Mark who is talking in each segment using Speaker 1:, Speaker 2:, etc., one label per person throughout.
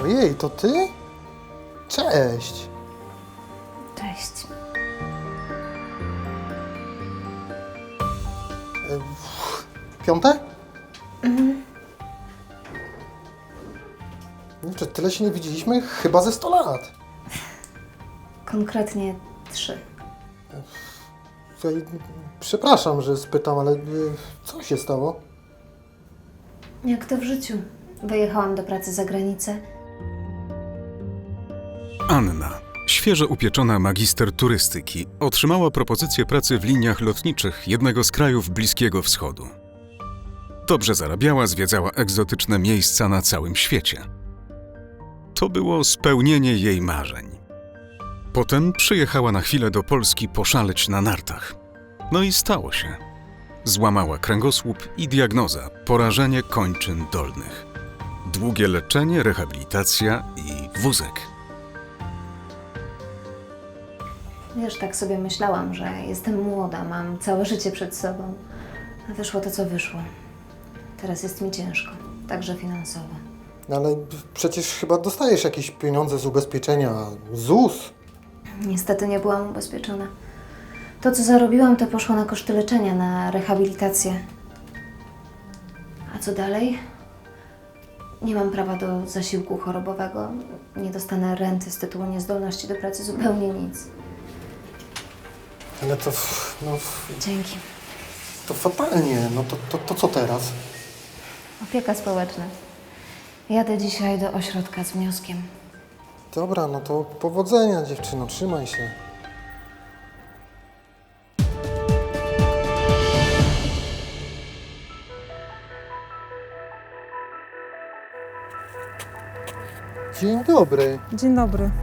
Speaker 1: Ojej, to ty? Cześć.
Speaker 2: Cześć.
Speaker 1: Piąte? Czy tyle się nie widzieliśmy? Chyba ze 100 lat.
Speaker 2: Konkretnie 3.
Speaker 1: Słuchaj, przepraszam, że spytam, ale co się stało?
Speaker 2: Jak to w życiu? Wyjechałam do pracy za granicę.
Speaker 3: Anna, świeżo upieczona magister turystyki, otrzymała propozycję pracy w liniach lotniczych jednego z krajów Bliskiego Wschodu. Dobrze zarabiała, zwiedzała egzotyczne miejsca na całym świecie. To było spełnienie jej marzeń. Potem przyjechała na chwilę do Polski poszaleć na nartach. No i stało się. Złamała kręgosłup i diagnoza – porażenie kończyn dolnych. Długie leczenie, rehabilitacja i wózek.
Speaker 2: Wiesz, tak sobie myślałam, że jestem młoda, mam całe życie przed sobą. A wyszło to, co wyszło. Teraz jest mi ciężko, także finansowo.
Speaker 1: No ale przecież chyba dostajesz jakieś pieniądze z ubezpieczenia ZUS.
Speaker 2: Niestety nie byłam ubezpieczona. To, co zarobiłam, to poszło na koszty leczenia, na rehabilitację. A co dalej? Nie mam prawa do zasiłku chorobowego. Nie dostanę renty z tytułu niezdolności do pracy, zupełnie nic.
Speaker 1: Ale to, no,
Speaker 2: Dzięki.
Speaker 1: to fatalnie. No to co teraz?
Speaker 2: Opieka społeczna. Jadę dzisiaj do ośrodka z wnioskiem.
Speaker 1: Dobra, no to powodzenia, dziewczyno, trzymaj się. Dzień dobry.
Speaker 4: Dzień dobry.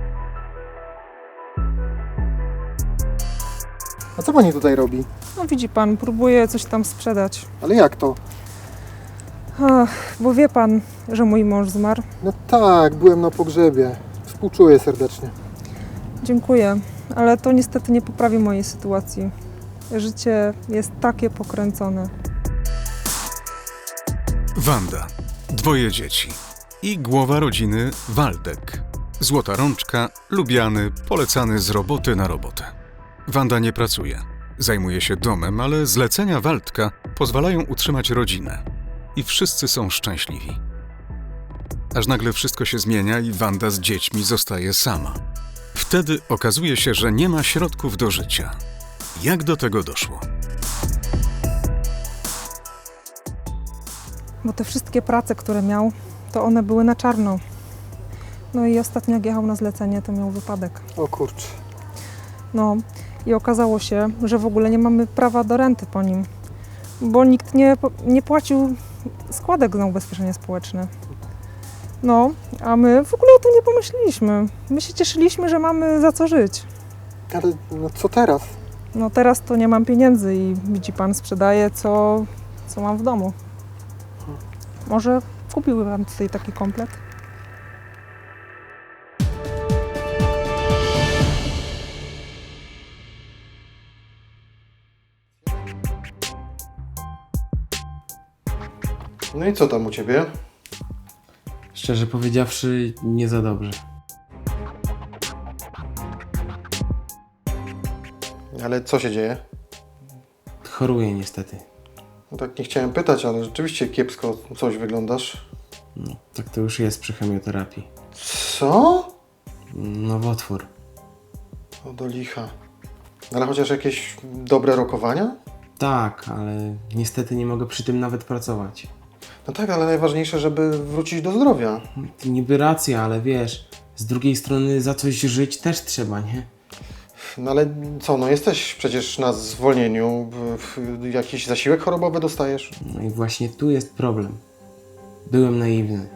Speaker 1: A co pani tutaj robi?
Speaker 4: No widzi pan, próbuję coś tam sprzedać.
Speaker 1: Ale jak to?
Speaker 4: Ach, bo wie pan, że mój mąż zmarł.
Speaker 1: No tak, byłem na pogrzebie. Współczuję serdecznie.
Speaker 4: Dziękuję, ale to niestety nie poprawi mojej sytuacji. Życie jest takie pokręcone.
Speaker 3: Wanda, 2 dzieci i głowa rodziny Waldek. Złota rączka, lubiany, polecany z roboty na robotę. Wanda nie pracuje, zajmuje się domem, ale zlecenia Waldka pozwalają utrzymać rodzinę. I wszyscy są szczęśliwi. Aż nagle wszystko się zmienia i Wanda z dziećmi zostaje sama. Wtedy okazuje się, że nie ma środków do życia. Jak do tego doszło?
Speaker 4: Bo te wszystkie prace, które miał, to one były na czarno. No i ostatnio jak jechał na zlecenie, to miał wypadek.
Speaker 1: O kurczę.
Speaker 4: No i okazało się, że w ogóle nie mamy prawa do renty po nim. Bo nikt nie płacił składek na ubezpieczenie społeczne. No, a my w ogóle o tym nie pomyśleliśmy. My się cieszyliśmy, że mamy za co żyć.
Speaker 1: Ale no co teraz?
Speaker 4: No teraz to nie mam pieniędzy i widzi pan, sprzedaję co mam w domu. Może kupiłby pan tutaj taki komplet?
Speaker 1: No i co tam u ciebie?
Speaker 5: Szczerze powiedziawszy, nie za dobrze.
Speaker 1: Ale co się dzieje?
Speaker 5: Choruję niestety.
Speaker 1: No tak nie chciałem pytać, ale rzeczywiście kiepsko coś wyglądasz.
Speaker 5: No, tak to już jest przy chemioterapii.
Speaker 1: Co?
Speaker 5: Nowotwór.
Speaker 1: O do licha. Ale chociaż jakieś dobre rokowania?
Speaker 5: Tak, ale niestety nie mogę przy tym nawet pracować.
Speaker 1: No tak, ale najważniejsze, żeby wrócić do zdrowia.
Speaker 5: Niby racja, ale wiesz, z drugiej strony za coś żyć też trzeba, nie?
Speaker 1: No ale co, no jesteś przecież na zwolnieniu. Jakiś zasiłek chorobowy dostajesz?
Speaker 5: No i właśnie tu jest problem. Byłem naiwny.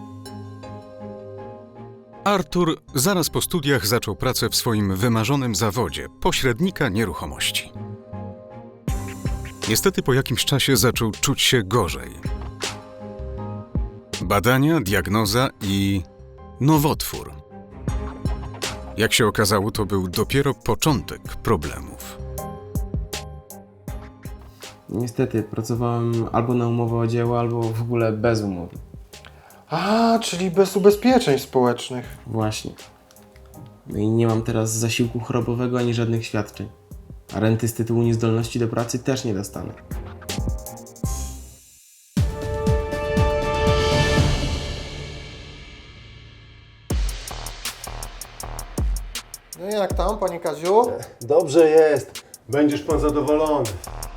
Speaker 3: Artur zaraz po studiach zaczął pracę w swoim wymarzonym zawodzie pośrednika nieruchomości. Niestety po jakimś czasie zaczął czuć się gorzej. Badania, diagnoza i nowotwór. Jak się okazało, to był dopiero początek problemów.
Speaker 5: Niestety pracowałem albo na umowę o dzieło, albo w ogóle bez umowy.
Speaker 1: A, czyli bez ubezpieczeń społecznych.
Speaker 5: Właśnie. No i nie mam teraz zasiłku chorobowego ani żadnych świadczeń. A renty z tytułu niezdolności do pracy też nie dostanę.
Speaker 1: No i jak tam, panie Kaziu?
Speaker 6: Dobrze jest. Będziesz pan zadowolony.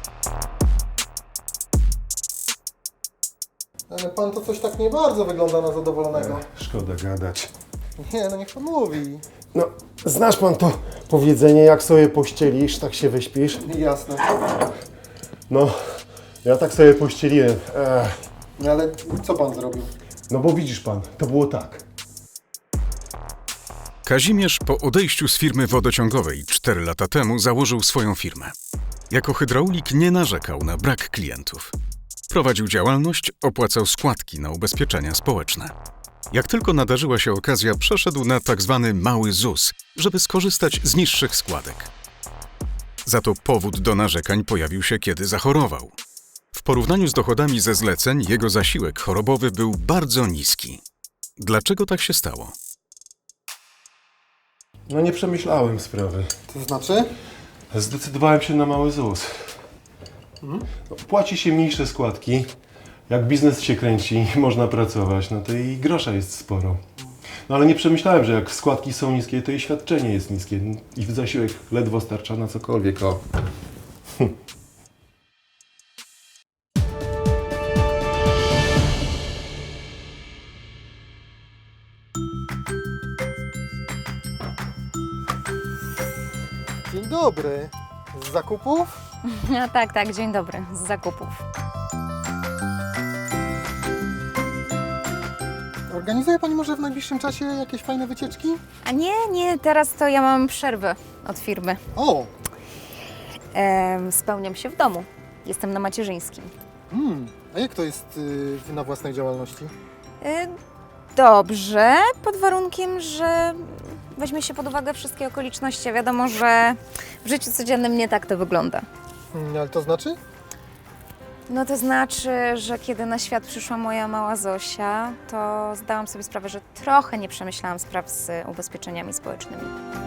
Speaker 1: Ale pan to coś tak nie bardzo wygląda na zadowolonego.
Speaker 6: Szkoda gadać.
Speaker 1: Nie, no niech pan mówi.
Speaker 6: No, znasz pan to powiedzenie, jak sobie pościelisz, tak się wyśpisz?
Speaker 1: Jasne.
Speaker 6: No, ja tak sobie pościeliłem.
Speaker 1: No ale co pan zrobił?
Speaker 6: No bo widzisz pan, to było tak.
Speaker 3: Kazimierz po odejściu z firmy wodociągowej 4 lata temu założył swoją firmę. Jako hydraulik nie narzekał na brak klientów. Prowadził działalność, opłacał składki na ubezpieczenia społeczne. Jak tylko nadarzyła się okazja, przeszedł na tzw. mały ZUS, żeby skorzystać z niższych składek. Za to powód do narzekań pojawił się, kiedy zachorował. W porównaniu z dochodami ze zleceń, jego zasiłek chorobowy był bardzo niski. Dlaczego tak się stało?
Speaker 6: No nie przemyślałem sprawy.
Speaker 1: To znaczy?
Speaker 6: Zdecydowałem się na mały ZUS. No, płaci się mniejsze składki. Jak biznes się kręci, można pracować, no to i grosza jest sporo. No ale nie przemyślałem, że jak składki są niskie, to i świadczenie jest niskie. I zasiłek ledwo starcza na cokolwiek. O.
Speaker 1: Dzień dobry. Z zakupów?
Speaker 7: No tak, dzień dobry, z zakupów.
Speaker 1: Organizuje pani może w najbliższym czasie jakieś fajne wycieczki?
Speaker 7: A nie, teraz to ja mam przerwę od firmy.
Speaker 1: O!
Speaker 7: Spełniam się w domu. Jestem na macierzyńskim.
Speaker 1: A jak to jest na własnej działalności?
Speaker 7: Dobrze, pod warunkiem, że weźmie się pod uwagę wszystkie okoliczności. Wiadomo, że w życiu codziennym nie tak to wygląda.
Speaker 1: Ale to znaczy?
Speaker 7: No to znaczy, że kiedy na świat przyszła moja mała Zosia, to zdałam sobie sprawę, że trochę nie przemyślałam spraw z ubezpieczeniami społecznymi.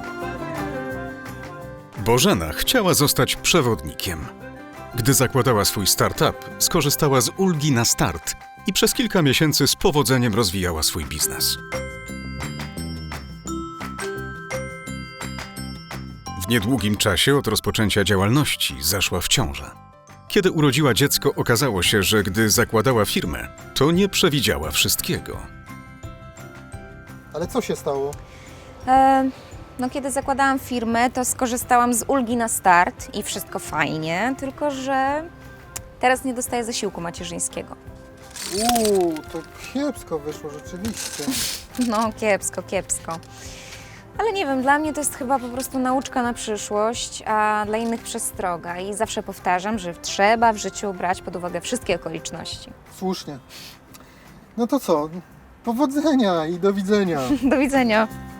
Speaker 3: Bożena chciała zostać przewodnikiem. Gdy zakładała swój startup, skorzystała z ulgi na start i przez kilka miesięcy z powodzeniem rozwijała swój biznes. W niedługim czasie od rozpoczęcia działalności zaszła w ciążę. Kiedy urodziła dziecko, okazało się, że gdy zakładała firmę, to nie przewidziała wszystkiego.
Speaker 1: Ale co się stało?
Speaker 7: No kiedy zakładałam firmę, to skorzystałam z ulgi na start i wszystko fajnie, tylko że teraz nie dostaję zasiłku macierzyńskiego.
Speaker 1: To kiepsko wyszło rzeczywiście.
Speaker 7: No kiepsko. Ale nie wiem, dla mnie to jest chyba po prostu nauczka na przyszłość, a dla innych przestroga. I zawsze powtarzam, że trzeba w życiu brać pod uwagę wszystkie okoliczności.
Speaker 1: Słusznie. No to co? Powodzenia i do widzenia.
Speaker 7: Do widzenia.